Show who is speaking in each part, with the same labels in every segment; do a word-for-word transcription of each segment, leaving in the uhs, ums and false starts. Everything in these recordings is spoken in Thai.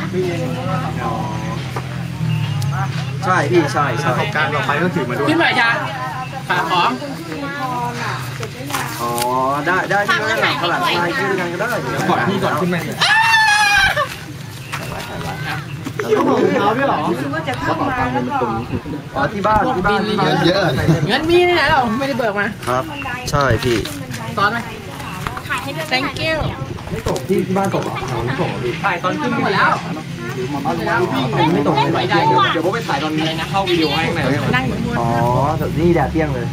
Speaker 1: ใช่พี่ใช่ใช่การเราไปก็ถือมาด้วย
Speaker 2: ขึ้นไปจ้าฝากของ
Speaker 1: อ๋อได้ได้ที่นั่นข้างหลังไลน์ขึ้นกันก็ได้ก่อนพี่ก่อนขึ้นมาเขาบอกเท้าด้วยหรอเขาบอกตังค์เป็นตรงนี้อ๋อที่บ้านที่บ้านเงินเยอะ
Speaker 2: เงินมีที่ไหนเราไม่ได้เบิกมา
Speaker 1: ครับใช่พี่
Speaker 2: ตอนไหมถ่ายให้ด้วย thank you
Speaker 1: ไม่ตกที่บ้านตกหรอไม่ตกพี่
Speaker 2: ถ่ายตอนขึ้นหมดแล้ว
Speaker 1: ไม่ตกเลย
Speaker 2: เดี๋ยวผมไปถ่ายตอนนี้นะเข้าวิดีโอให้ไหนนั่งอยู่บน
Speaker 1: อ๋อนี่แดดเตี้ยงเลย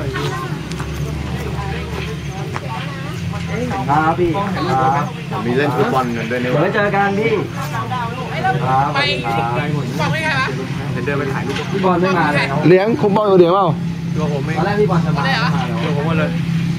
Speaker 1: ครับพี่
Speaker 3: มีเล่นฟุตบอลกันด้วยเนี่ย
Speaker 1: เดี๋ยวเจอกันพี่ครับ
Speaker 2: ไปบอกไม่ไงวะ
Speaker 1: เดินไปถ่ายรูปพี่บอลไม่มาเลย
Speaker 3: เลี้ยงคุมบอลเดี๋ยวเปล่า
Speaker 1: ตัวผมไม่ตอนแรกพี่บอลจะมาตัวผมมาเลย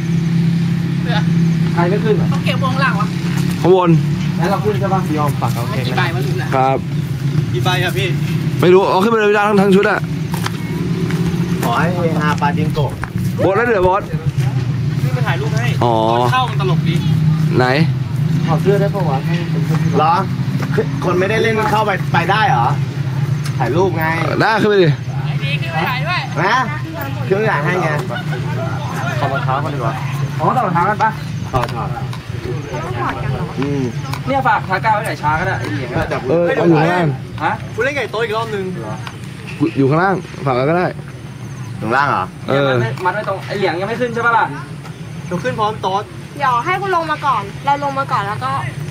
Speaker 1: ใครไม่ขึ้น
Speaker 2: ต้องเก็บวงหลังวะ
Speaker 3: ข้างบน
Speaker 1: แล้วเราขึ้นใช่ป่ะยอมปักเอาเอง
Speaker 2: กี่ใบวะลุง
Speaker 3: ครับ
Speaker 1: กี่ใบครับพี่
Speaker 3: ไม่รู้เอาขึ้นไปเลยไม่ได้ทั้งทั้งชุดอะ
Speaker 1: ขอให้ฮาปาจิงโกะ
Speaker 3: บอสแล้วเดี๋ยวบอส
Speaker 1: พี่มาถ่ายรูปให้
Speaker 3: อ๋อ
Speaker 1: เข้ามันตลกดี
Speaker 3: ไหน
Speaker 1: ถอดเสื้อได้ปะวะเหรอคนไม่ได้เล่นเข้าไปไปได้เหรอถ่ายรูปไง
Speaker 3: ได้ขึ้นไปดิ
Speaker 2: ดีขึ้นไปถ่ายด้วย
Speaker 1: นะเครื่องใหญ่ให้ไงถอดรองเท้ากันดีกว่าอ๋อถอดรองเท้ากันปะถอดถอดอืมเนี่ยฝากขาก้าวไว้ไหนช้าก็ได้ไอ้เหลียง
Speaker 3: เออเอาอยู่ข้างล่าง
Speaker 1: ฮะคุณเล่นไก่โต๊ะอีกรอบนึง
Speaker 3: อยู่ข้างล่างฝากก็ได้
Speaker 1: ข้างล่างเหรอ
Speaker 3: เออ
Speaker 1: มัดไว้ตรงไอ้เหลียงยังไม่ขึ้นใช่ปะล่ะเดี๋ยวขึ้นพร้อมโต๊ะ
Speaker 4: เดี๋ยวให้คุณลงมาก่อนเราลงมาก่อนแล้วก็